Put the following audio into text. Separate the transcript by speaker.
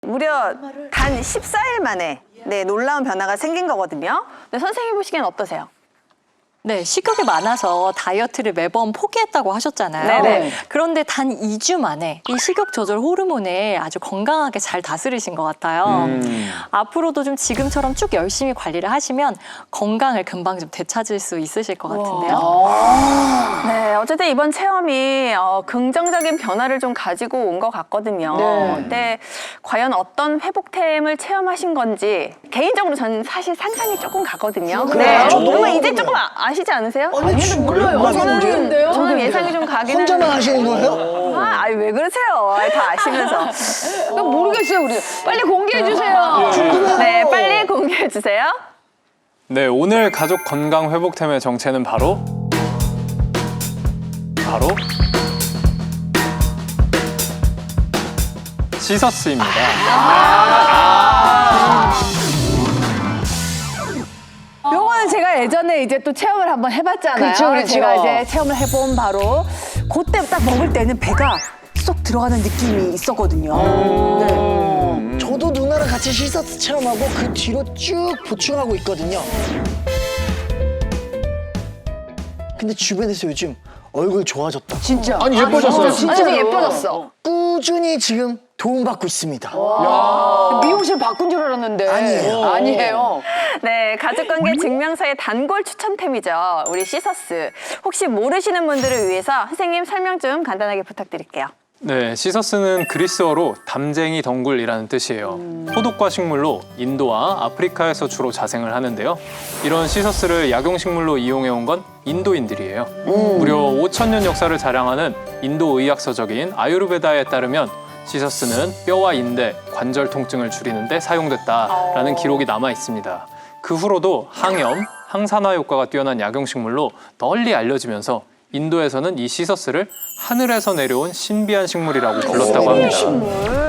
Speaker 1: 무려 단 14일 만에 놀라운 변화가 생긴 거거든요. 근데 선생님 보시기엔 어떠세요?
Speaker 2: 네, 식욕이 많아서 다이어트를 매번 포기했다고 하셨잖아요.
Speaker 1: 네네.
Speaker 2: 그런데 단 2주 만에 이 식욕 조절 호르몬을 아주 건강하게 잘 다스리신 것 같아요. 앞으로도 좀 지금처럼 쭉 열심히 관리를 하시면 건강을 금방 좀 되찾을 수 있으실 것 같은데요.
Speaker 1: 네, 어쨌든 이번 체험이 긍정적인 변화를 좀 가지고 온 것 같거든요. 근데 과연 어떤 회복템을 체험하신 건지 개인적으로 저는 사실 상상이 조금 가거든요. 네, 정말 이제 조금 아시지 않으세요?
Speaker 3: 아니, 몰라요.
Speaker 1: 저는 예상이 좀 가긴
Speaker 3: 혼자만
Speaker 1: 하는데.
Speaker 3: 하시는 거예요?
Speaker 1: 아니, 왜 그러세요? 다 아시면서.
Speaker 4: 모르겠어요, 우리. 빨리 공개해 주세요.
Speaker 1: 네, 빨리 공개해 주세요.
Speaker 5: 네, 오늘 가족 건강 회복템의 정체는 바로 시서스입니다.
Speaker 4: 요거는 제가 예전에 이제 또 체험을 한번 해봤잖아요.
Speaker 6: 그렇죠.
Speaker 4: 제가 이제 체험을 해본 바로 그때 딱 먹을 때는 배가 쏙 들어가는 느낌이 있었거든요. 네.
Speaker 3: 저도 누나랑 같이 시서스 체험하고 그 뒤로 쭉 보충하고 있거든요. 근데 주변에서 요즘 얼굴 좋아졌다.
Speaker 4: 진짜.
Speaker 6: 아니 예뻐졌어요.
Speaker 4: 진짜 예뻐졌어.
Speaker 3: 꾸준히 지금 도움받고 있습니다.
Speaker 4: 미용실 바꾼 줄 알았는데.
Speaker 3: 아니에요.
Speaker 4: 아니에요.
Speaker 1: 네, 가족관계 증명서의 단골 추천템이죠. 우리 시서스. 혹시 모르시는 분들을 위해서 선생님 설명 좀 간단하게 부탁드릴게요.
Speaker 5: 네, 시서스는 그리스어로 담쟁이 덩굴이라는 뜻이에요. 호독과 식물로 인도와 아프리카에서 주로 자생을 하는데요. 이런 시서스를 약용식물로 이용해온 건 인도인들이에요. 무려 5,000년 역사를 자랑하는 인도 의학서적인 아유르베다에 따르면 시서스는 뼈와 인대, 관절 통증을 줄이는 데 사용됐다라는 기록이 남아 있습니다. 그 후로도 항염, 항산화 효과가 뛰어난 약용식물로 널리 알려지면서 인도에서는 이 시서스를 하늘에서 내려온 신비한 식물이라고 불렀다고 합니다.